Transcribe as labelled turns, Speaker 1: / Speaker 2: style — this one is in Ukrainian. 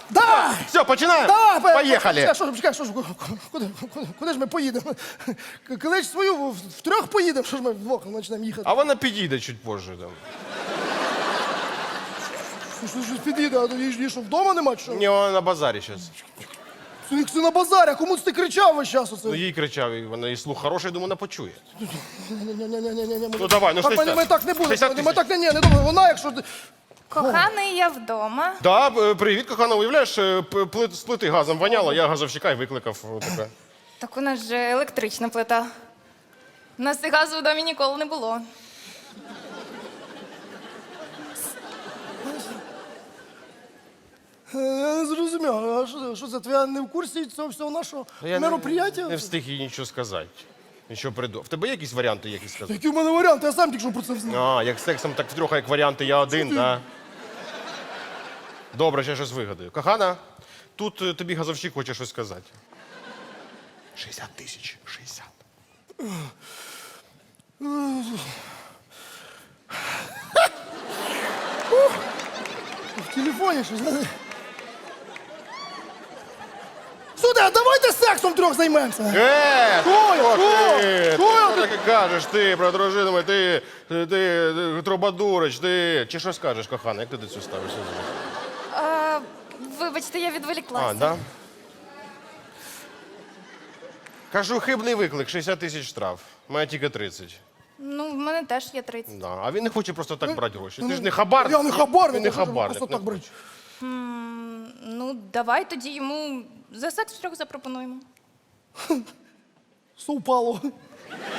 Speaker 1: Да!
Speaker 2: Все, починаємо?
Speaker 1: Да,
Speaker 2: Поїхали.
Speaker 1: Чекай, що ж, куди ж ми поїдемо? Коли ж свою втрьох поїдемо, що ж ми вдвох почнемо їхати?
Speaker 2: А вона підійде чуть позже. Там.
Speaker 1: Щось під'їде, а її що, вдома нема, чи що?
Speaker 2: Ні, вона на базарі зараз.
Speaker 1: Це на базарі, а кому ти кричав весь час оце?
Speaker 2: Ну, їй кричав, і вона і слух хороший, думаю, вона почує.
Speaker 1: Ні-ні-ні.
Speaker 2: Ну, давай, ну, 60.
Speaker 1: Ми так не
Speaker 2: 60
Speaker 1: будемо, ми так не думаю, вона, якщо...
Speaker 3: Коханий, я вдома.
Speaker 2: Да, привіт, кохана, уявляєш, з плити газом воняло, я газовщика і викликав. Таке.
Speaker 3: Так у нас же електрична плита. У нас і газу в домі ніколи не було.
Speaker 1: Я не зрозумів, а що це, твоя не в курсі цього всього нашого мероприятия?
Speaker 2: Не встиг їй нічого сказати. Нічого придумав. В тебе є якісь варіанти, які сказати?
Speaker 1: Які в мене варіанти, я сам тільки що про це знав.
Speaker 2: А, як з сексом, так втрьох, як варіанти я один, да? Добре, ще щось вигадаю. Кохана, тут тобі газовщик хоче щось сказати. 60 тисяч. 60.
Speaker 1: В телефоні щось, знаєш. Сюди, давайте сексом трьох займемося.
Speaker 2: Що
Speaker 1: Що
Speaker 2: ти?
Speaker 1: Що
Speaker 2: Що таке кажеш ти про дружину мою? Ти трубадурич, ти... Чи що скажеш, кохана, як ти до цього ставишся?
Speaker 3: Вибачте, я відволіклася.
Speaker 2: А, да? Кажу, хибний виклик, 60 тисяч штраф. Має тільки 30.
Speaker 3: Ну, в мене теж є 30.
Speaker 2: Да. А він не хоче просто так брати гроші. Ти ж не хабарник.
Speaker 1: Я не хабарник,
Speaker 2: Він не
Speaker 1: я хочу
Speaker 2: хабарник.
Speaker 1: просто так брати.
Speaker 3: Ну, давай тоді йому за секс втрьох запропонуємо.
Speaker 1: Совпало.